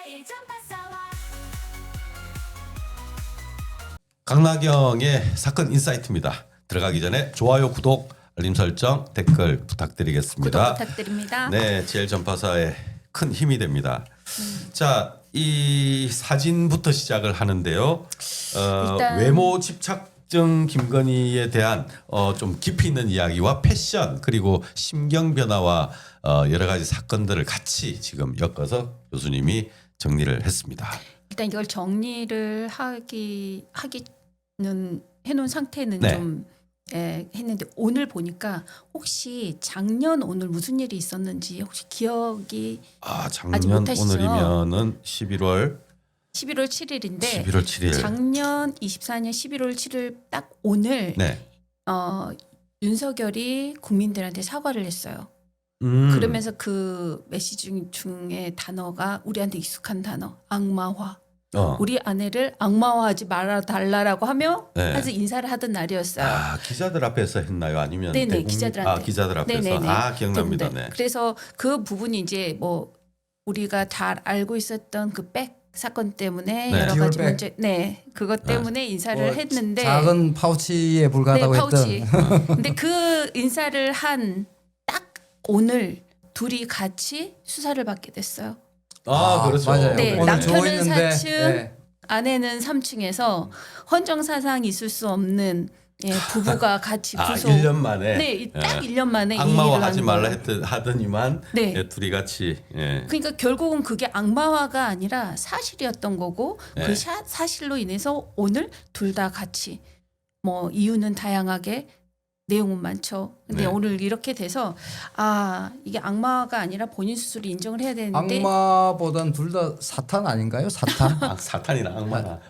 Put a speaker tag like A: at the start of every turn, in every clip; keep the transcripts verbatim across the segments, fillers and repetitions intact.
A: 강나경의 사건 인사이트입니다. 들어가기 전에 좋아요, 구독, 알림 설정, 댓글 부탁드리겠습니다.
B: 구독 부탁드립니다.
A: 네, 제일 전파사에 큰 힘이 됩니다. 음. 자, 이 사진부터 시작을 하는데요. 어,
B: 일단...
A: 외모 집착증 김건희에 대한 어, 좀 깊이 있는 이야기와 패션 그리고 심경 변화와 어, 여러 가지 사건들을 같이 지금 엮어서 교수님이 정리를 했습니다.
B: 일단 이걸 정리를 하기 하기는 해놓은 상태는
A: 네.
B: 좀 예, 했는데 오늘 보니까 혹시 작년 오늘 무슨 일이 있었는지 혹시 기억이
A: 아,
B: 아직
A: 작년
B: 못하시죠?
A: 오늘이면은 십일월
B: 십일월 칠일인데
A: 십일월 칠일
B: 작년 이십사년 십일월 칠일 딱 오늘
A: 네.
B: 어, 윤석열이 국민들한테 사과를 했어요.
A: 음.
B: 그러면서 그 메시지 중에 단어가 우리한테 익숙한 단어 악마화.
A: 어.
B: 우리 아내를 악마화하지 말아 달라라고 하며
A: 네.
B: 아주 인사를 하던 날이었어요.
A: 아, 기자들 앞에서 했나요? 아니면
B: 네네
A: 대국민-
B: 기자들한테.
A: 아, 기자들 앞에서.
B: 네네네.
A: 아, 기억납니다.
B: 네.
A: 네.
B: 그래서 그 부분이 이제 뭐 우리가 잘 알고 있었던 그 백 사건 때문에
A: 네.
B: 여러 가지
C: 디올백.
B: 문제, 네 그것 때문에 인사를
C: 뭐
B: 했는데
C: 작은 파우치에 불과하다고
B: 네, 파우치.
C: 했던
B: 근데 그 인사를 한 딱 오늘 둘이 같이 수사를 받게 됐어요.
A: 아, 그렇죠.
C: 맞아요.
B: 네,
C: 오늘
B: 남편은
C: 조있는데
B: 사층,
C: 네.
B: 아내는 삼 층에서 헌정사상 있을 수 없는 예, 부부가 같이
A: 아,
B: 구속.
A: 일 년 만에.
B: 네, 딱
A: 예.
B: 일 년 만에 이 일을
A: 악마화 하지
B: 한
A: 말라
B: 거예요.
A: 했더, 하더니만
B: 네.
A: 예, 둘이 같이 예.
B: 그러니까 결국은 그게 악마화가 아니라 사실이었던 거고
A: 네.
B: 그 사, 사실로 인해서 오늘 둘 다 같이 뭐 이유는 다양하게 내용은 많죠. 근데
A: 네.
B: 오늘 이렇게 돼서 아 이게 악마가 아니라 본인 스스로 인정을 해야 되는데
C: 악마보단 둘 다 사탄 아닌가요? 사탄?
A: 아, 사탄이나 악마나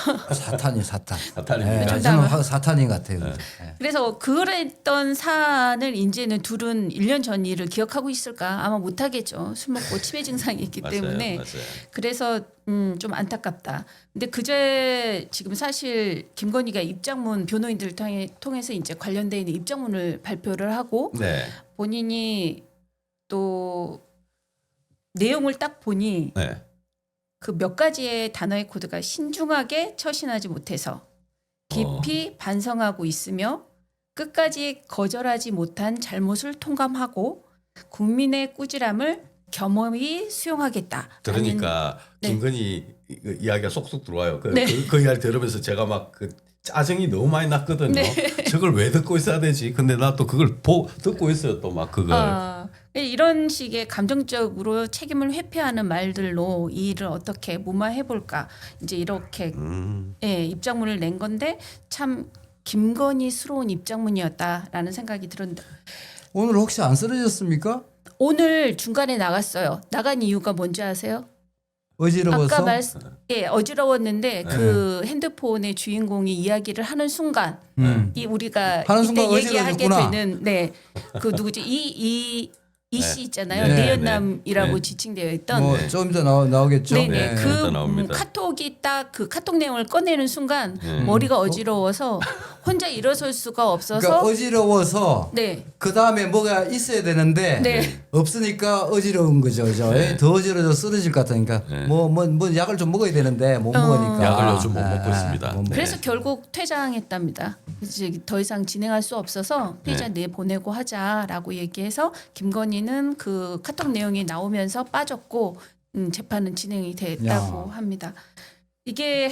C: 사탄이 사탄.
A: 사탄입니까?
C: 네,
B: 정답은-
C: 저는 화- 사탄인 것 같아요. 네.
B: 그래서 그랬던 사안을 이제는 둘은 일 년 전 일을 기억하고 있을까 아마 못하겠죠. 술 먹고 치매 증상이 있기
A: 맞아요,
B: 때문에
A: 맞아요.
B: 그래서 음, 좀 안타깝다. 근데 그제 지금 사실 김건희가 입장문 변호인들을 통해, 통해서 이제 관련돼 있는 입장문을 발표를 하고
A: 네,
B: 본인이 또 내용을 딱 보니
A: 네.
B: 그 몇 가지의 단어의 코드가 신중하게 처신하지 못해서 깊이 반성하고 있으며 끝까지 거절하지 못한 잘못을 통감하고 국민의 꾸지람을 겸허히 수용하겠다.
A: 그러니까
B: 네.
A: 김건희 그 이야기가 쏙쏙 들어와요. 그,
B: 네.
A: 그, 그 이야기 들으면서 제가 막 그 짜증이 너무 많이 났거든요.
B: 네.
A: 저걸 왜 듣고 있어야 되지? 근데 나 또 그걸 보, 듣고 있어요. 또 막 그걸.
B: 아, 이런 식의 감정적으로 책임을 회피하는 말들로 이 일을 어떻게 무마해 볼까 이제 이렇게
A: 음.
B: 예, 입장문을 낸 건데 참 김건희스러운 입장문이었다라는 생각이 들었는데
C: 오늘 혹시 안 쓰러졌습니까?
B: 오늘 중간에 나갔어요. 나간 이유가 뭔지 아세요?
C: 어지러워서.
B: 아까 말 예, 어지러웠는데 그 핸드폰의 주인공이 이야기를 하는 순간
C: 음.
B: 이 우리가
C: 하는
B: 이때
C: 순간
B: 얘기하게
C: 어지러워졌구나.
B: 되는 네 그 누구지 이 이 이 씨
A: 네.
B: 있잖아요.
A: 네,
B: 내연남이라고
A: 네.
B: 지칭되어 있던
C: 뭐
A: 네.
C: 좀 이따 나오, 나오겠죠.
B: 네네
A: 네,
B: 그
A: 일단
B: 음,
A: 나옵니다.
B: 카톡이 딱 그 카톡 내용을 꺼내는 순간
A: 네.
B: 머리가 어지러워서 혼자 일어설 수가 없어서
C: 그러니까 어지러워서
B: 네.
C: 그 다음에 뭐가 있어야 되는데
B: 네.
C: 없으니까 어지러운 거죠, 그죠?
A: 네.
C: 더 어지러져 쓰러질 것 같으니까
A: 네.
C: 뭐 뭐 뭐 약을 좀 먹어야 되는데 못
B: 어.
C: 먹으니까
A: 약을 요즘 못
C: 아,
A: 먹고
C: 아,
A: 있습니다.
C: 못 먹-
A: 네.
B: 그래서 결국 퇴장했답니다. 이제 더 이상 진행할 수 없어서 피해자
A: 네.
B: 내보내고 하자라고 얘기해서 김건희는 그 카톡 내용이 나오면서 빠졌고 음, 재판은 진행이 됐다고
C: 야.
B: 합니다. 이게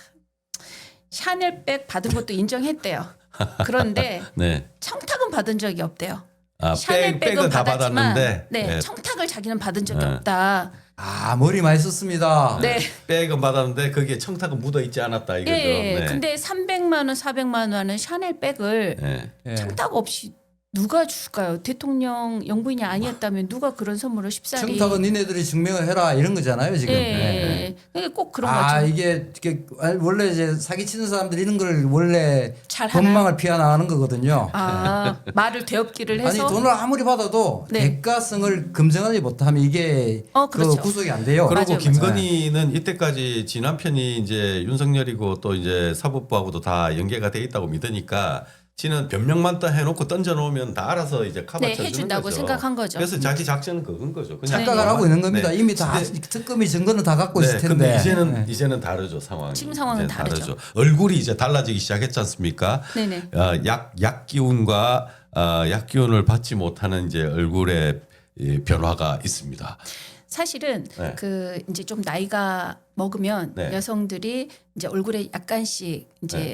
B: 샤넬백 받은 것도 인정했대요. 그런데
A: 네.
B: 청탁은 받은 적이 없대요.
A: 아, 백,
B: 샤넬백은
A: 백은 다
B: 받았지만
A: 받았는데
B: 네,
A: 네.
B: 청탁을 자기는 받은 적이
A: 네.
B: 없다.
C: 아 머리 많이 썼습니다.
B: 네.
A: 백은 받았는데 거기에 청탁은 묻어 있지 않았다 이거죠.
B: 예.
A: 네.
B: 근데 삼백만 원, 사백만 원은 샤넬백을
A: 네.
C: 예.
B: 청탁 없이 누가 줄까요? 대통령 영부인이 아니었다면 누가 그런 선물을 쉽사리
C: 청탁은 니네들이 증명을 해라 이런 거잖아요 지금.
B: 예,
C: 네.
B: 예. 꼭 그런
C: 아
B: 거죠.
C: 이게, 이게 원래 이제 사기 치는 사람들이 이런 걸 원래
B: 잘 하나요?
C: 법망을 피하 나가는 거거든요.
B: 아 말을 되업기를
C: 아니
B: 해서
C: 돈을 아무리 받아도
B: 네.
C: 대가성을 검증하지 못하면 이게
B: 어,
C: 그
B: 그렇죠.
C: 구속이 안 돼요.
A: 그리고
B: 맞아요,
A: 김건희는 이때까지 지난 편이 이제 윤석열이고 또 이제 사법부하고도 다 연계가 돼 있다고 믿으니까 지는 변명만 딱 해놓고 던져놓으면 다 알아서 이제 커버
B: 네,
A: 쳐주는
B: 해준다고
A: 거죠.
B: 생각한 거죠.
A: 그래서 자기 작전은 그건 거죠. 그냥
C: 착각을
B: 네.
C: 하고 있는 겁니다.
A: 네.
C: 이미 다
A: 근데-
C: 특검이 증거는 다 갖고 있을
A: 네,
C: 텐데.
A: 근데 이제는
C: 네.
A: 이제는 다르죠 상황이.
B: 지금 상황은
A: 이제는
B: 다르죠.
A: 얼굴이 이제 달라지기 시작했지 않습니까?
B: 네네.
A: 어, 약, 약 기운과 어, 약 기운을 받지 못하는 이제 얼굴에 이 변화가 있습니다.
B: 사실은
A: 네.
B: 그 이제 좀 나이가 먹으면
A: 네.
B: 여성들이 이제 얼굴에 약간씩 이제
A: 네.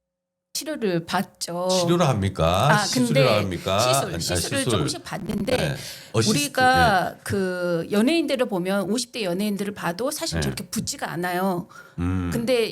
B: 치료를 받죠.
A: 치료를 합니까?
B: 아,
A: 시술을
B: 근데
A: 합니까?
B: 시술,
A: 아니,
B: 시술을
A: 시술.
B: 조금씩 받는데
A: 네. 어시스트,
B: 우리가 그 연예인들을 보면 오십 대 연예인들을 봐도 사실
A: 네.
B: 저렇게 붓지가 않아요.
A: 네. 음.
B: 근데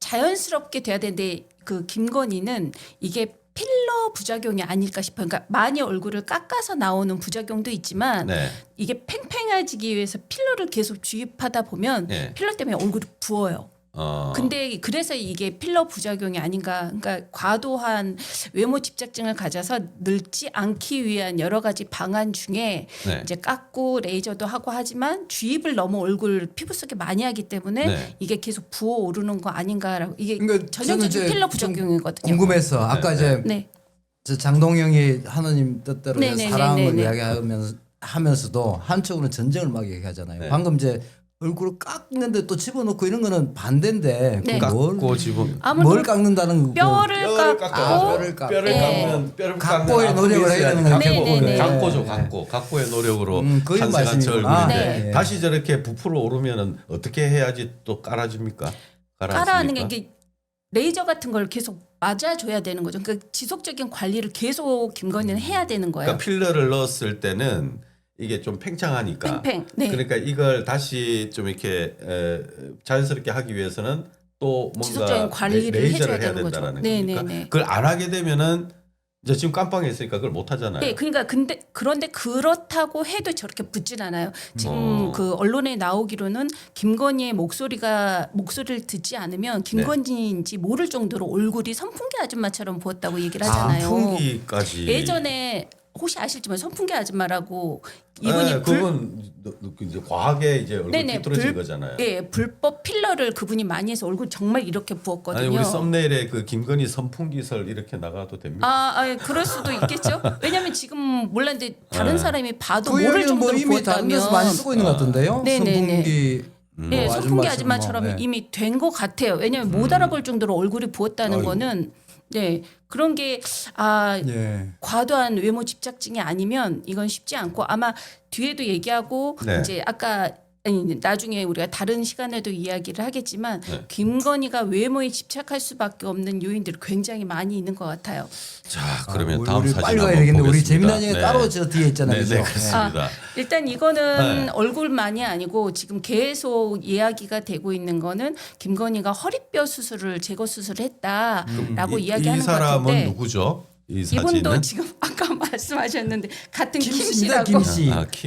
B: 자연스럽게 돼야 되는데 그 김건희는 이게 필러 부작용이 아닐까 싶어요. 그러니까 많이 얼굴을 깎아서 나오는 부작용도 있지만
A: 네.
B: 이게 팽팽해지기 위해서 필러를 계속 주입하다 보면
A: 네.
B: 필러 때문에 얼굴이 부어요.
A: 어.
B: 근데 그래서 이게 필러 부작용이 아닌가. 그러니까 과도한 외모 집착증을 가져서 늙지 않기 위한 여러 가지 방안 중에
A: 네.
B: 이제 깎고 레이저도 하고 하지만 주입을 너무 얼굴 피부 속에 많이 하기 때문에
A: 네.
B: 이게 계속 부어 오르는 거 아닌가라고. 이게
C: 그러니까
B: 전형적인
C: 저는 이제
B: 필러
C: 좀
B: 부작용이거든요.
C: 궁금해서 아까
A: 네,
C: 이제
B: 네.
C: 저 장동영이 하나님 뜻대로
B: 네, 네,
C: 사랑을
B: 네, 네, 네.
C: 이야기하면서 하면서도 한쪽으로는 전쟁을 막 얘기하잖아요.
A: 네.
C: 방금 이제 얼굴을 깎는데 또 집어넣고 이런 거는 반대인데
B: 네.
C: 그걸 뭘,
A: 깎고 집어
B: 아무래도
C: 뭘 깎는다는
B: 뼈를
A: 뼈를
B: 깎고
A: 깎아서
C: 뼈를 깎고.
A: 뼈를
B: 네.
A: 깎는 뼈를
C: 각고의
A: 깎는
C: 노력을
A: 앞으로
C: 해야 되는
A: 있어야지.
C: 거죠.
B: 네, 네, 네.
A: 각고죠,
C: 네.
A: 각고. 각고의 노력으로
C: 음, 그게
A: 탄생한 저
C: 말씀이구나.
A: 얼굴인데
B: 네.
A: 다시 저렇게 부풀어 오르면은 어떻게 해야지 또 깔아줍니까?
B: 따라하는 게
A: 깔아줍니까?
B: 이게 레이저 같은 걸 계속 맞아줘야 되는 거죠. 그러니까 지속적인 관리를 계속 김건희는 해야 되는 거예요.
A: 그러니까 필러를 넣었을 때는 이게 좀 팽창하니까.
B: 팽팽. 네.
A: 그러니까 이걸 다시 좀 이렇게 에, 자연스럽게 하기 위해서는 또 뭔가
B: 지속적인 관리를
A: 레- 레이저를
B: 해줘야
A: 해야
B: 되는 거죠.
A: 된다는
B: 네,
A: 거니까.
B: 네, 네.
A: 그걸 안 하게 되면은 이제 지금 깜빵에 있으니까 그걸 못 하잖아요.
B: 네, 그러니까 근데 그런데 그렇다고 해도 저렇게 붙진 않아요. 지금
A: 어.
B: 그 언론에 나오기로는 김건희의 목소리가 목소리를 듣지 않으면 김건희인지 모를 정도로 얼굴이 선풍기 아줌마처럼 부었다고 얘기를 하잖아요.
A: 풍기까지.
B: 예전에 혹시 아실지만 선풍기 아줌마라고 이분이
A: 네,
B: 불,
A: 그건 이제 과하게 이제 얼굴
B: 네네,
A: 삐뚤어진
B: 불-
A: 거잖아요.
B: 예, 불법 필러를 그분이 많이 해서 얼굴 정말 이렇게 부었거든요.
A: 아니 우리 썸네일에 그 김건희 선풍기설 이렇게 나가도 됩니까?
B: 아, 아, 그럴 수도 있겠죠. 왜냐하면 지금 몰랐는데 다른
A: 네.
B: 사람이 봐도
C: 그
B: 모를
C: 얘기는 뭐
B: 정도로
C: 이미 다른 데서
B: 부었다면
C: 많이 쓰고 있는 것 같은데요.
B: 네, 네,
C: 선풍기
B: 예,
C: 뭐
B: 선풍기
C: 아줌마처럼
B: 아줌마처럼
C: 뭐, 네.
B: 이미 된 것 같아요. 왜냐하면 못 알아볼 정도로 얼굴이 부었다는
A: 아이고.
B: 거는 네 그런 게 아
C: 예.
B: 과도한 외모 집착증이 아니면 이건 쉽지 않고 아마 뒤에도 얘기하고
A: 네.
B: 이제 아까 아니 나중에 우리가 다른 시간에도 이야기를 하겠지만
A: 네.
B: 김건희가 외모에 집착할 수밖에 없는 요인들이 굉장히 많이 있는 것 같아요.
A: 자 그러면
C: 아,
A: 다음
C: 우리
A: 사진
C: 빨리 가야
A: 한번
C: 되겠는데 우리
A: 보겠습니다.
C: 재미난 얘기
A: 네.
C: 따로 저 뒤에 있잖아요.
A: 네,
C: 그죠?
A: 네, 그렇습니다.
B: 일단 이거는
A: 네.
B: 얼굴만이 아니고 지금 계속 이야기가 되고 있는 거는 김건희가 허리뼈 수술을 제거 수술을 했다라고
A: 이,
B: 이야기하는
A: 이
B: 것
A: 사람은
B: 같은데
A: 누구죠? 이 사진은
B: 이분도 지금 아까 말씀하셨는데 같은 김
C: 김씨입니다,
B: 씨라고
C: 김씨.
A: 아, 킴.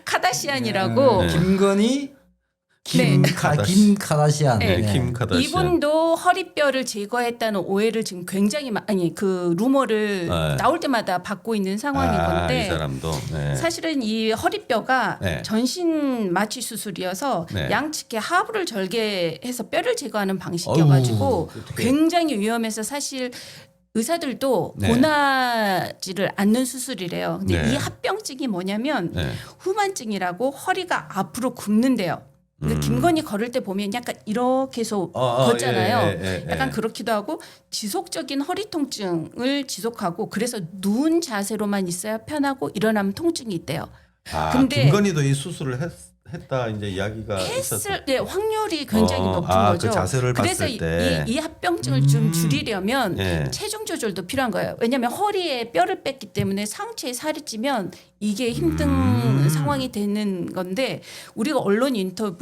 B: 카다시안이라고
A: 네.
C: 김건희 김,
B: 네.
C: 카,
A: 카다시.
C: 김 카다시안.
A: 네,
C: 네.
A: 킴 카다시안.
B: 이분도 허리뼈를 제거했다는 오해를 지금 굉장히 마, 아니 그 루머를
A: 네.
B: 나올 때마다 받고 있는 상황인
A: 아,
B: 건데
A: 이 사람도. 네.
B: 사실은 이 허리뼈가
A: 네.
B: 전신 마취 수술이어서
A: 네.
B: 양측에 하부를 절개해서 뼈를 제거하는 방식이어가지고
A: 어우, 어떡해.
B: 굉장히 위험해서 사실 의사들도
A: 네.
B: 권하지를 않는 수술이래요. 근데
A: 네.
B: 이 합병증이 뭐냐면
A: 네.
B: 후만증이라고 허리가 앞으로 굽는데요. 근데
A: 음.
B: 김건희 걸을 때 보면 약간 이렇게 해서
A: 어, 어,
B: 걷잖아요.
A: 예, 예, 예,
B: 약간
A: 예.
B: 그렇기도 하고 지속적인 허리 통증을 지속하고 그래서 누운 자세로만 있어야 편하고 일어나면 통증이 있대요.
A: 아,
B: 근데-
A: 김건희도 이 수술을 했, 했다 이제 이야기가 있었어.
B: 했을 때 확률이 굉장히
A: 어,
B: 높은
A: 아,
B: 거죠.
A: 그 자세를
B: 그래서
A: 봤을
B: 이,
A: 때.
B: 이, 이 합병증을 좀
C: 음.
B: 줄이려면
A: 예.
B: 체중 조절도 필요한 거예요. 왜냐하면 허리에 뼈를 뺐기 때문에 상체에 살이 찌면 이게 힘든
A: 음.
B: 상황이 되는 건데 우리가 언론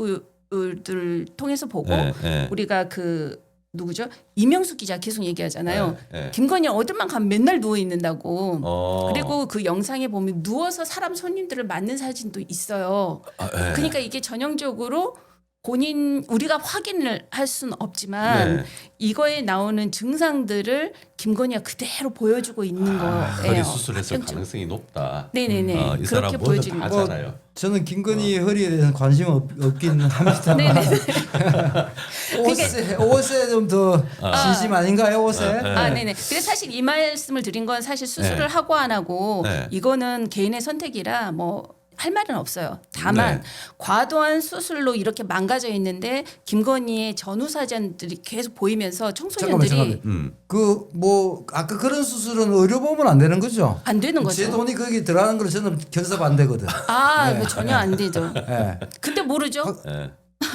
B: 인터뷰를 통해서 보고
A: 예, 예.
B: 우리가 그 누구죠? 이명수 기자 계속 얘기하잖아요.
A: 예, 예.
B: 김건희 어딜만 가면 맨날 누워 있는다고.
A: 어.
B: 그리고 그 영상에 보면 누워서 사람 손님들을 맞는 사진도 있어요.
A: 아, 예.
B: 그러니까 이게 전형적으로 본인 우리가 확인을 할 수는 없지만
A: 네.
B: 이거에 나오는 증상들을 김건희가 그대로 보여주고 있는
A: 아,
B: 거예요.
A: 허리 수술했을
B: 합병증.
A: 가능성이 높다.
B: 네네네.
A: 어, 이 사람
B: 그렇게
A: 뭐든
B: 보여지는
A: 다
B: 거죠.
A: 하잖아요.
C: 저는 김건희 허리에 대해서 관심 없, 없긴 합니다만
B: 네네네.
C: 옷에 옷에 좀 더 진심 아닌가요 옷에?
B: 아, 네네. 그래서 사실 이 말씀을 드린 건 사실 수술을
A: 네.
B: 하고 안 하고
A: 네.
B: 이거는 개인의 선택이라 뭐 할 말은 없어요. 다만
A: 네.
B: 과도한 수술로 이렇게 망가져 있는데 김건희의 전후 사진들이 계속 보이면서
C: 잠깐만
B: 청소년들이
C: 잠깐만.
A: 음.
C: 그 뭐 아까 그런 수술은 의료 보면 안 되는 거죠?
B: 안 되는
C: 제
B: 거죠.
C: 돈이 거기 들어가는 걸 저는 견섭 안 되거든.
B: 아, 그 전혀 안 되죠.
C: 예.
B: 근데 모르죠.
A: 예.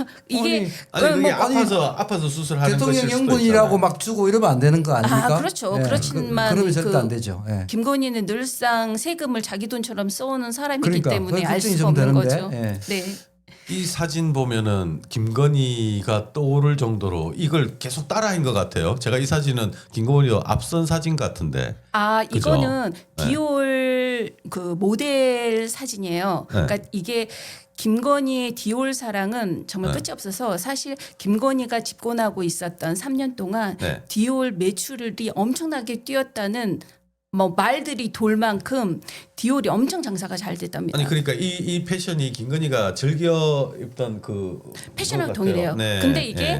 B: 이게
A: 아니
B: 그
A: 그게
B: 뭐
A: 아파서 아파서 수술하는
C: 대통령
A: 것일 수도
C: 연군이라고
A: 있잖아요.
C: 막 주고 이러면 안 되는 거 아닙니까?
B: 아, 그렇죠.
C: 예.
B: 그렇지만
C: 그, 그러면 절대
B: 그
C: 안 되죠. 예.
B: 김건희는 늘상 세금을 자기 돈처럼 써오는 사람이기
C: 그러니까,
B: 때문에
C: 그건
B: 알
C: 걱정이
B: 수가
C: 좀
B: 없는
C: 되는데,
B: 거죠.
C: 예.
B: 네.
A: 이 사진 보면은 김건희가 떠오를 정도로 이걸 계속 따라한 것 같아요. 제가 이 사진은 김건희가 앞선 사진 같은데.
B: 아,
A: 그죠?
B: 이거는
A: 네.
B: 디올 그 모델 사진이에요.
A: 네.
B: 그러니까 이게 김건희의 디올 사랑은 정말
A: 네.
B: 끝이 없어서 사실 김건희가 집권하고 있었던 삼 년 동안
A: 네.
B: 디올 매출이 엄청나게 뛰었다는 뭐 말들이 돌 만큼 디올이 엄청 장사가 잘 됐답니다.
A: 아니 그러니까 이, 이 패션이 김건희가 즐겨 입던 그
B: 패션하고
A: 그거 같아요.
B: 동일해요.
A: 네.
B: 근데 이게
A: 네.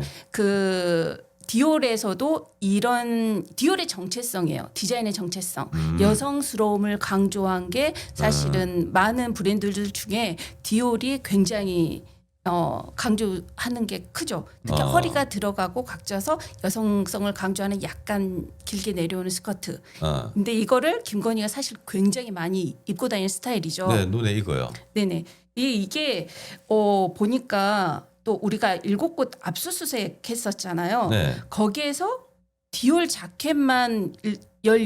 B: 그 디올에서도 이런 디올의 정체성이에요. 디자인의 정체성.
A: 음.
B: 여성스러움을 강조한 게 사실은 많은 브랜드들 중에 디올이 굉장히 어, 강조하는 게 크죠. 특히
A: 어.
B: 허리가 들어가고 각져서 여성성을 강조하는 약간 길게 내려오는 스커트.
A: 어.
B: 근데 이거를 김건희가 사실 굉장히 많이 입고 다니는 스타일이죠.
A: 네, 눈에 익어요.
B: 네네. 이 이게 어 보니까 또 우리가 일곱 곳 압수수색 했었잖아요.
A: 네.
B: 거기에서 디올 자켓만 일-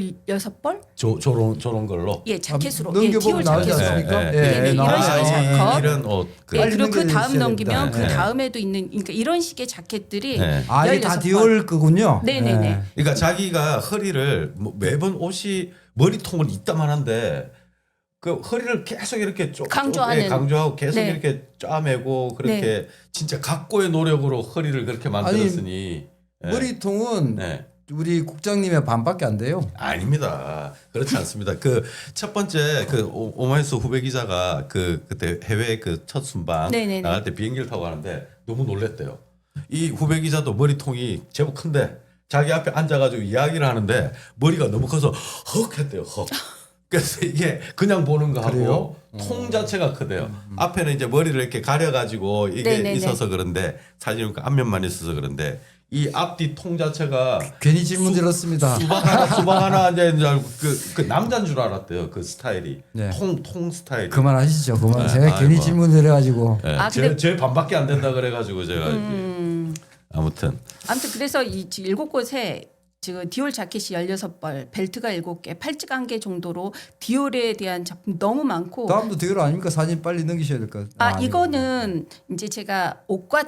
B: 열여섯 벌?
A: 조, 저런 저런 걸로.
B: 예, 자켓으로.
C: 아,
B: 예,
C: 넘겨보면
B: 디올
C: 나오지
B: 자켓으로.
C: 않습니까?
A: 네,
C: 예,
B: 네, 네, 이런
C: 나와요.
B: 식의
A: 이-
B: 자켓.
A: 이런 옷. 그
B: 예,
C: 빨리
B: 그리고 그
C: 넘겨주셔야
B: 다음
C: 됩니다.
B: 넘기면 그
A: 네.
B: 다음에도 있는 그러니까 이런 식의 자켓들이
A: 네.
C: 아 이게 다
B: 열여섯 벌.
C: 디올 거군요.
B: 네네네.
C: 예.
A: 그러니까 자기가 허리를 뭐 매번 옷이 머리통을 이따만한데 그 허리를 계속 이렇게 쪼,
B: 강조하는.
A: 쪼- 예, 강조하고 계속
B: 네.
A: 이렇게 짜매고 그렇게 진짜 각고의 노력으로 허리를 그렇게 만들었으니 예.
C: 머리통은
A: 네.
C: 우리 국장님의 반밖에 안 돼요.
A: 아닙니다. 그렇지 않습니다. 그 첫 번째 그 오- 오마이뉴스 후배 기자가 그 그때 해외 그 첫 순방
B: 네네네.
A: 나갈 때 비행기를 타고 가는데 너무 놀랬대요. 이 후배 기자도 머리통이 제법 큰데 자기 앞에 앉아가지고 이야기를 하는데 머리가 너무 커서 헉 했대요. 헉. 그래서 이게 그냥 보는 거하고
C: 그래요?
A: 통 자체가 크대요. 앞에는 이제 머리를 이렇게 가려가지고 이게
B: 네네네.
A: 있어서 그런데 사진은 앞면만 있어서 그런데 이 앞뒤 통 자체가
C: 괜히 질문 드렸습니다.
A: 수박 하나 수박 하나 앉아 있는 줄 알고 그, 그 남자인 줄 알았대요. 그 스타일이
C: 네.
A: 통 통 스타일.
C: 그만하시죠. 그만.
A: 네,
C: 제가 괜히
A: 아이고.
C: 질문 드려가지고.
A: 예,
B: 아,
A: 제,
B: 근데-
A: 제 반밖에 안 된다 그래가지고 제가 이렇게
B: 음,
A: 아무튼
B: 아무튼 그래서 이 지금 일곱 곳에 지금 디올 자켓이 열여섯 벌, 벨트가 일곱 개, 팔찌가 한 개 정도로 디올에 대한 작품 너무 많고
C: 다음도 디올 아닙니까? 사진 빨리 넘기셔야 될 것 같아요.
B: 아, 이거는 이제 제가 옷과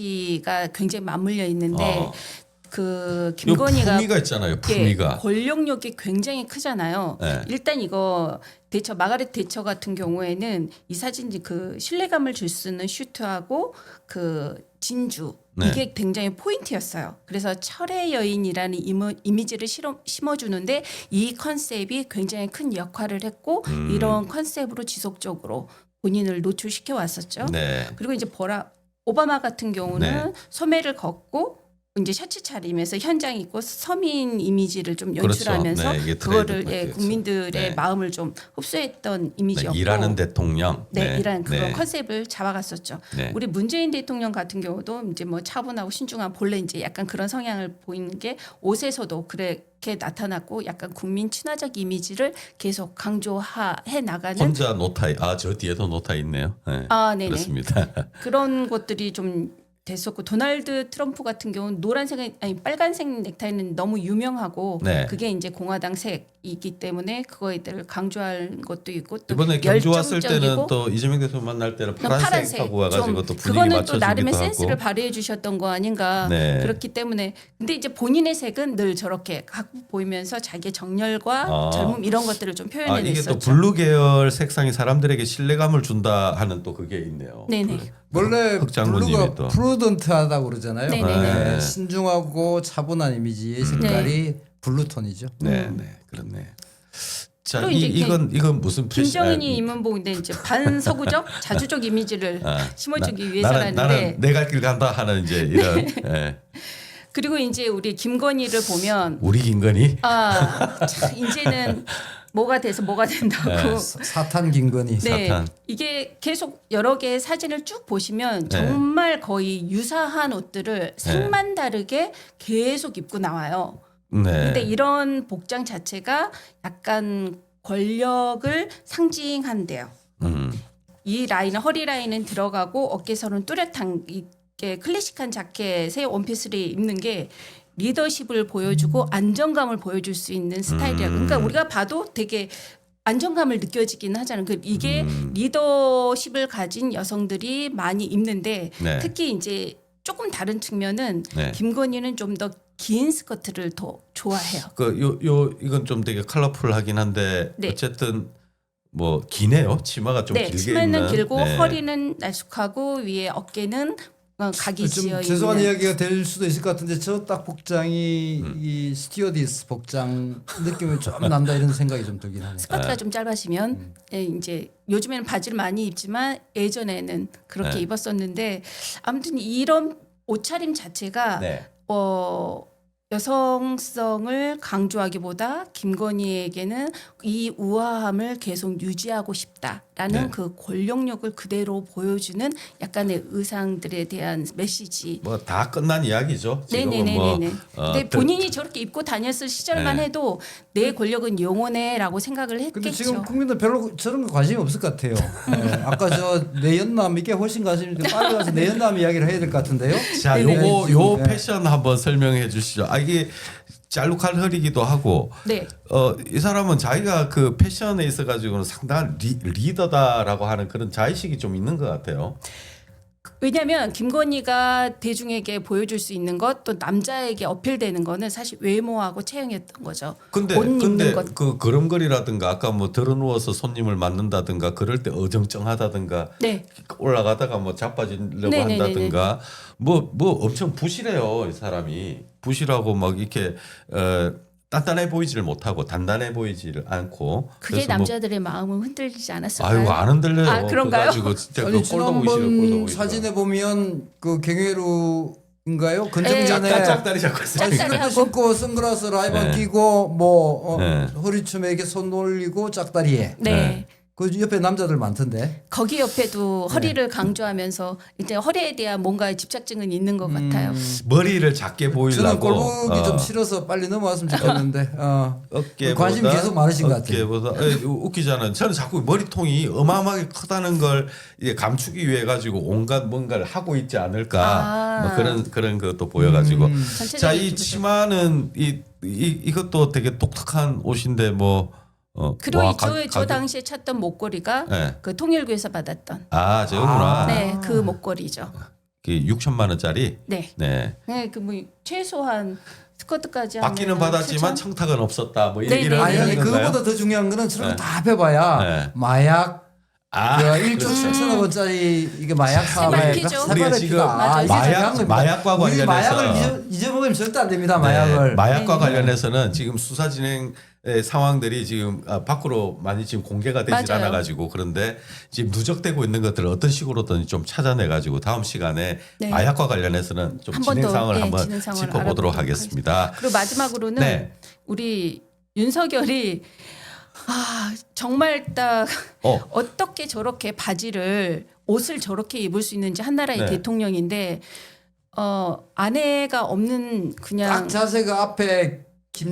B: 정치가 굉장히 맞물려 있는데
A: 어.
B: 그
A: 요
B: 김건희가
A: 품위가 있잖아요.
B: 예,
A: 품위가.
B: 권력력이 굉장히 크잖아요.
A: 네.
B: 일단 이거 대처 마가렛 대처 같은 경우에는 이 사진 그 신뢰감을 줄 수 있는 슈트하고 그 진주
A: 네.
B: 이게 굉장히 포인트였어요. 그래서 철의 여인이라는 이모, 이미지를 실어, 심어주는데 이 컨셉이 굉장히 큰 역할을 했고
A: 음.
B: 이런 컨셉으로 지속적으로 본인을 노출시켜 왔었죠.
A: 네.
B: 그리고 이제 보라 오바마 같은 경우는
A: 네.
B: 소매를 걷고 이제 셔츠 차림에서 현장 있고 서민 이미지를 좀
A: 그렇죠.
B: 연출하면서
A: 네, 이게
B: 그거를
A: 트레이드
B: 예,
A: 마크였죠.
B: 국민들의
A: 네.
B: 마음을 좀 흡수했던
A: 네,
B: 이미지였고
A: 일하는 대통령.
B: 네, 이런 그런
A: 네.
B: 컨셉을 잡아갔었죠.
A: 네.
B: 우리 문재인 대통령 같은 경우도 이제 뭐 차분하고 신중한 본래 이제 약간 그런 성향을 보이는 게 옷에서도 그렇게 나타났고 약간 국민 친화적 이미지를 계속 강조해 나가는
A: 혼자 노타이. 아 저 뒤에도 노타이 있네요. 네.
B: 아, 네네.
A: 그렇습니다.
B: 그런 것들이 좀 됐었고 도널드 트럼프 같은 경우는 노란색 아니 빨간색 넥타이는 너무 유명하고
A: 네.
B: 그게 이제 공화당 색이기 때문에 그거에 대해 강조할 것도 있고 또
A: 이번에 경주 왔을 때는
B: 열정적이고
A: 또 이재명 대통령 만날 때는
B: 파란색
A: 파란색하고 와가지고 또 분위기
B: 그거는 또
A: 맞춰주기도
B: 나름의
A: 하고.
B: 센스를 발휘해 주셨던 거 아닌가.
A: 네.
B: 그렇기 때문에 근데 이제 본인의 색은 늘 저렇게 갖고 보이면서 자기의 정열과
A: 아.
B: 젊음 이런 것들을 좀
A: 아,
B: 표현해
A: 이게 또
B: 냈었죠.
A: 블루 계열 색상이 사람들에게 신뢰감을 준다 하는 또 그게 있네요.
B: 네네.
C: 원래
A: 흑장군님이
C: 블루가
A: 또.
C: 프루던트하다고 그러잖아요.
B: 네네네.
C: 네, 신중하고 차분한 이미지의 색깔이 블루톤이죠.
A: 네, 네, 그렇네. 자,
B: 또
A: 이
B: 이제
A: 이건 이건 무슨 패션-
B: 김정은이
A: 아,
B: 입문복인데 이제 반서구적 자주적 이미지를
A: 아,
B: 심어주기
A: 나-
B: 위해서라는데
A: 나는, 나는 내 갈 길 간다 하는 이제 이런 예.
B: 그리고 이제 우리 김건희를 보면
A: 우리 김건희
B: 아 참, 이제는 뭐가 돼서 뭐가 된다고.
A: 네.
C: 사탄 김건희.
B: 네,
A: 사탄.
B: 이게 계속 여러 개의 사진을 쭉 보시면
A: 네.
B: 정말 거의 유사한 옷들을 색만 다르게 계속 입고 나와요.
A: 네.
B: 근데 이런 복장 자체가 약간 권력을 상징한대요.
A: 음.
B: 이 라인은 허리 라인은 들어가고 어깨선은 뚜렷한 이게 클래식한 자켓에 원피스를 입는 게 리더십을 보여주고 안정감을 보여줄 수 있는 스타일이야. 그러니까 우리가 봐도 되게 안정감을 느껴지긴 하잖아요. 그 이게
A: 음.
B: 리더십을 가진 여성들이 많이 입는데
A: 네.
B: 특히 이제 조금 다른 측면은
A: 네.
B: 김건희는 좀 더 긴 스커트를 더 좋아해요.
A: 그 요 요 이건 좀 되게 컬러풀하긴 한데
B: 네.
A: 어쨌든 뭐 기네요. 치마가 좀
B: 네,
A: 길게
B: 치마는
A: 있는.
B: 길고
A: 네.
B: 허리는 날쑥하고 위에 어깨는 어, 각이
C: 좀
B: 지어
C: 죄송한
B: 있는.
C: 이야기가 될 수도 있을 것 같은데 저 딱 복장이
A: 음.
C: 이 스튜어디스 복장 느낌이 좀 난다 이런 생각이 좀 들긴 하네요.
B: 스커트가 좀 짧아지면
A: 음.
B: 예, 이제 요즘에는 바지를 많이 입지만 예전에는 그렇게
A: 네.
B: 입었었는데 아무튼 이런 옷차림 자체가
A: 네.
B: 어, 여성성을 강조하기보다 김건희에게는 이 우아함을 계속 유지하고 싶다라는
A: 네.
B: 그 권력력을 그대로 보여주는 약간의 의상들에 대한 메시지.
A: 뭐 다 끝난 이야기죠. 지금은 뭐
B: 네네네네.
A: 어,
B: 근데
A: 또-
B: 본인이 저렇게 입고 다녔을 시절만
A: 네.
B: 해도 내 권력은 영원해라고 생각을
C: 근데
B: 했겠죠.
C: 지금 국민들 별로 저런 거 관심이 없을 것 같아요. 네, 아까 저 내연남 이게 훨씬 관심이 있는데 빨리 가서 내연남 이야기를 해야 될 것 같은데요.
A: 자,
B: 네네.
A: 요거 요
C: 네.
A: 패션 한번 설명해 주시죠. 아 이게 짤룩한 허리기도 하고
B: 네.
A: 어 이 사람은 자기가 그 패션에 있어 가지고는 상당한 리, 리더다라고 하는 그런 자의식이 좀 있는 것 같아요.
B: 왜냐하면 김건희가 대중에게 보여줄 수 있는 것 또 남자에게 어필되는 거는 사실 외모하고 체형이었던 거죠.
A: 근데
B: 옷 입는
A: 근데
B: 것.
A: 그 걸음걸이라든가 아까 뭐 들어 누워서 손님을 맞는다든가 그럴 때 어정쩡하다든가
B: 네.
A: 올라가다가 뭐 자빠지려고
B: 네네네네.
A: 한다든가 뭐 뭐 엄청 부실해요 이 사람이 부실하고 막 이렇게 어, 단단해 보이지를 못하고 단단해 보이지를 않고
B: 그게
A: 그래서 뭐
B: 남자들의 마음을 흔들리지 않았을까요?
A: 아이고 안 흔들려요.
B: 아, 그런가요?
A: 가지고 진짜 그
C: 아니
A: 꼴도 보기 싫어 꼴도
C: 지난번
A: 보기 싫어.
C: 사진에 보면 그 경회루인가요?
B: 네.
C: 건정전에
A: 짝- 짝다리 잡고 있어요.
C: 아,
B: 짝다리
C: 슬리퍼
B: 하고.
C: 신고 선글라스 라이번
A: 네.
C: 끼고 뭐 어,
A: 네.
C: 허리춤에 이렇게 손 올리고 짝다리에
B: 네.
A: 네.
C: 그 옆에 남자들 많던데.
B: 거기 옆에도
A: 네.
B: 허리를 강조하면서 이제 허리에 대한 뭔가 집착증은 있는 것 같아요.
A: 머리를 작게
C: 저는
A: 보이려고
C: 꼴보기
A: 어,
C: 좀 싫어서 빨리 넘어왔으면 좋겠는데 어.
A: 어깨보다
C: 관심이 계속 많으신 것 같아요.
A: 어깨보다 에, 웃기잖아요. 저는 자꾸 머리통이 어마어마하게 크다는 걸 이제 감추기 위해 가지고 온갖 뭔가를 하고 있지 않을까
B: 아.
A: 뭐 그런 그런 것도 보여가지고
C: 음.
B: 전체적인
A: 자 이
B: 기분이-
A: 치마는 이, 이 이것도 되게 독특한 옷인데 뭐 어,
B: 그리고
A: 와,
B: 이 저,
A: 가-
B: 저
A: 가격-
B: 당시에 찾던 목걸이가
A: 네.
B: 그 통일교에서 받았던
A: 아 저거구나.
C: 아.
B: 네, 그 목걸이죠.
A: 그 육천만 원짜리.
B: 네.
A: 네.
B: 네, 그 뭐 최소한 스커트까지
A: 받기는
B: 하면
A: 받았지만
B: 칠천?
A: 청탁은 없었다. 뭐
B: 네,
A: 이런
B: 네,
C: 아니
B: 네.
C: 아니
A: 건가요?
C: 그거보다 더 중요한 거는 저런
A: 네.
C: 거 다 해봐야
A: 네.
C: 마약
A: 아,
C: 그 일조
A: 그렇죠.
C: 칠천억 원짜리 이게 마약 사업에
B: 새발피죠.
A: 우리가 지금
B: 맞아요.
A: 마약 마약과
C: 우리
A: 관련해서
C: 마약을 잊어, 잊어먹으면 절대 안 됩니다.
A: 네,
C: 마약을.
A: 마약과
B: 네.
A: 관련해서는 지금 수사 진행 의 상황들이 지금 아, 밖으로 많이 지금 공개가 되지
B: 맞아요.
A: 않아 가지고 그런데 지금 누적되고 있는 것들을 어떤 식으로든 좀 찾아내 가지고 다음 시간에
B: 네.
A: 마약과 관련해서는 좀
B: 한번
A: 진행
B: 더,
A: 상황을
B: 네,
A: 한번
B: 진행 상황을
A: 짚어보도록
B: 알아보도록
A: 하겠습니다.
B: 그리고 마지막으로는
A: 네.
B: 우리 윤석열이 아 정말 딱
A: 어.
B: 어떻게 저렇게 바지를 옷을 저렇게 입을 수 있는지 한 나라의
A: 네.
B: 대통령인데 어 아내가 없는 그냥
C: 딱 자세가 앞에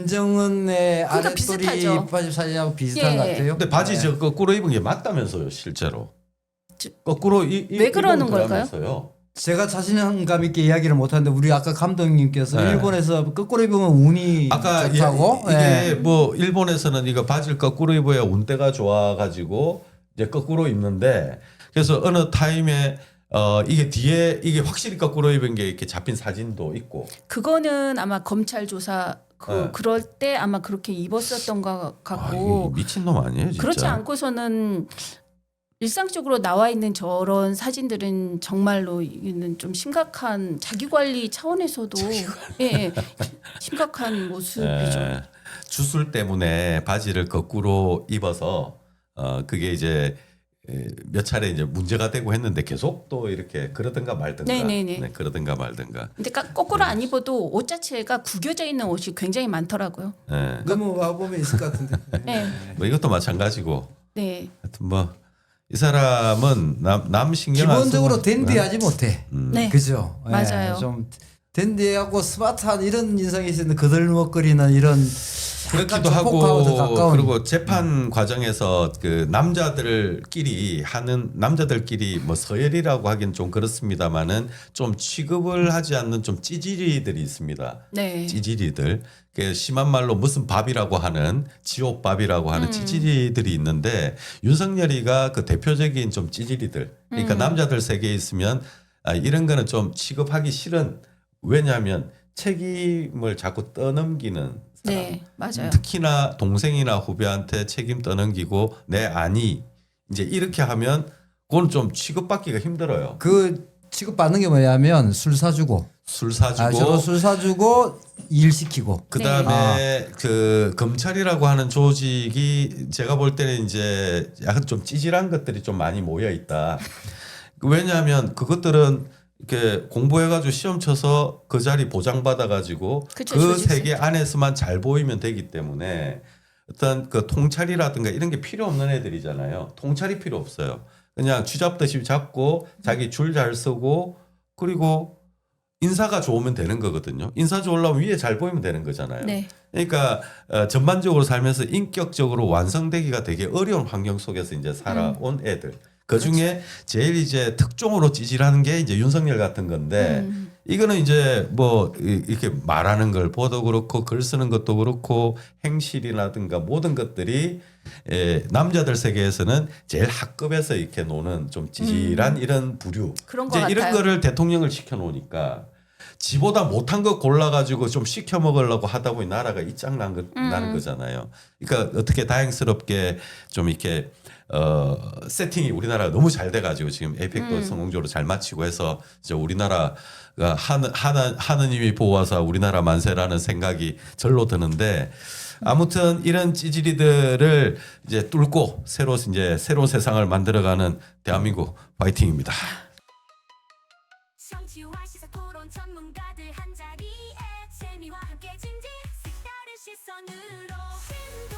C: 김정은의
B: 그러니까
C: 아랫돌이
B: 비슷하죠.
C: 바지 사진하고 비슷한
B: 예.
C: 것 같아요.
A: 근데 바지
C: 네.
A: 저 거꾸로 입은 게 맞다면서요, 실제로.
B: 저-
A: 거꾸로 이, 이,
B: 왜 그러는
A: 입은
B: 걸까요?
A: 거라면서요.
C: 제가 자신감 있게 이야기를 못하는데 우리 아까 감독님께서
A: 네.
C: 일본에서 거꾸로 입으면 운이
A: 아까
C: 좋다고
A: 이, 게
C: 예.
A: 뭐 일본에서는 이거 바지를 거꾸로 입어야 운대가 좋아가지고 이제 거꾸로 입는데 그래서 어느 타임에 어 이게 뒤에 이게 확실히 거꾸로 입은 게 이렇게 잡힌 사진도 있고
B: 그거는 아마 검찰 조사 그
A: 네.
B: 그럴 때 아마 그렇게 입었었던 것
A: 아,
B: 같고
A: 이거 미친놈 아니에요 진짜.
B: 그렇지 않고서는 일상적으로 나와 있는 저런 사진들은 정말로 이는 좀 심각한 자기 관리 차원에서도 예, 예, 심각한 모습이죠.
A: 예, 주술 때문에 바지를 거꾸로 입어서 어 그게 이제 에, 몇 차례 이제 문제가 되고 했는데 계속 또 이렇게 그러든가 말든가
B: 네네네.
A: 네, 그러든가 말든가
B: 근데 까- 거꾸로 안 입어도 옷 자체가 구겨져 있는 옷이 굉장히 많더라고요.
A: 예.
C: 넘어가 보면 있을 것 같은데.
B: 네,
A: 뭐 이것도 마찬가지고
B: 네,
A: 하여튼 뭐 이 사람은 남, 남 신경 안
C: 기본적으로
A: 쓰고
C: 댄디하지 못해.
B: 네,
C: 그죠? 예,
B: 맞아요.
C: 좀 댄디하고 스마트한 이런 인상이 있는데 거들먹거리는 이런
A: 그렇기도
C: 약간 좀 포크하고도
A: 하고
C: 가까운.
A: 그리고 재판 과정에서 그 남자들끼리 하는 남자들끼리 뭐 서열이라고 하긴 좀 그렇습니다만은 좀 취급을 하지 않는 좀 찌질이들이 있습니다.
B: 네,
A: 찌질이들 그 심한 말로 무슨 밥이라고 하는 지옥밥이라고
B: 음.
A: 하는 찌질이들이 있는데 윤석열이가 그 대표적인 좀 찌질이들 그러니까
B: 음.
A: 남자들 세계에 있으면 아, 이런 거는 좀 취급하기 싫은 왜냐하면 책임을 자꾸 떠넘기는 사람
B: 네, 맞아요.
A: 특히나 동생이나 후배한테 책임 떠넘기고 내 아니 이제 이렇게 하면 그건 좀 취급받기가 힘들어요.
C: 그 취급받는 게 뭐냐면 술 사주고
A: 술
C: 아,
A: 사주고
C: 저거 술 사주고 일 시키고
A: 그
B: 네.
A: 다음에 그 검찰이라고 하는 조직이 제가 볼 때는 이제 약간 좀 찌질한 것들이 좀 많이 모여 있다. 왜냐하면 그것들은 이렇게 공부해가지고 시험 쳐서 그 자리 보장받아가지고
B: 그쵸,
A: 그
B: 조직
A: 세계 안에서만 잘 보이면 되기 때문에 어떤 그 통찰이라든가 이런 게 필요 없는 애들이잖아요. 통찰이 필요 없어요. 그냥 쥐잡듯이 잡고 자기 줄 잘 쓰고 그리고 인사가 좋으면 되는 거거든요. 인사 좋으려면 위에 잘 보이면 되는 거잖아요.
B: 네,
A: 그러니까 어, 전반적으로 살면서 인격적으로 완성되기가 되게 어려운 환경 속에서 이제 살아온 애들. 그 중에 제일 이제 특종으로 찌질하는 게 이제 윤석열 같은 건데
B: 음.
A: 이거는 이제 뭐 이- 이렇게 말하는 걸 보도 그렇고 글 쓰는 것도 그렇고 행실이라든가 모든 것들이 에, 남자들 세계에서는 제일 학급에서 이렇게 노는 좀 찌질한 이런 부류.
B: 그런 것
A: 이제 이런
B: 같아요.
A: 거를 대통령을 시켜 놓으니까 지보다 못한 거 골라가지고 좀 시켜 먹으려고 하다 보니 나라가 이짱 난 거,
B: 음.
A: 나는 거잖아요. 그러니까 어떻게 다행스럽게 좀 이렇게 어, 세팅이 우리나라가 너무 잘 돼가지고 지금 에이펙도
B: 음.
A: 성공적으로 잘 마치고 해서 이제 우리나라가 하느, 하느, 하느님이 보아서 우리나라 만세라는 생각이 절로 드는데 아무튼 이런 찌질이들을 이제 뚫고 새로 이제 새로운 세상을 만들어가는 대한민국 파이팅입니다.
D: 정치와 시사 토론 전문가들 한자리에 재미와 함께 진지 색다른 시선으로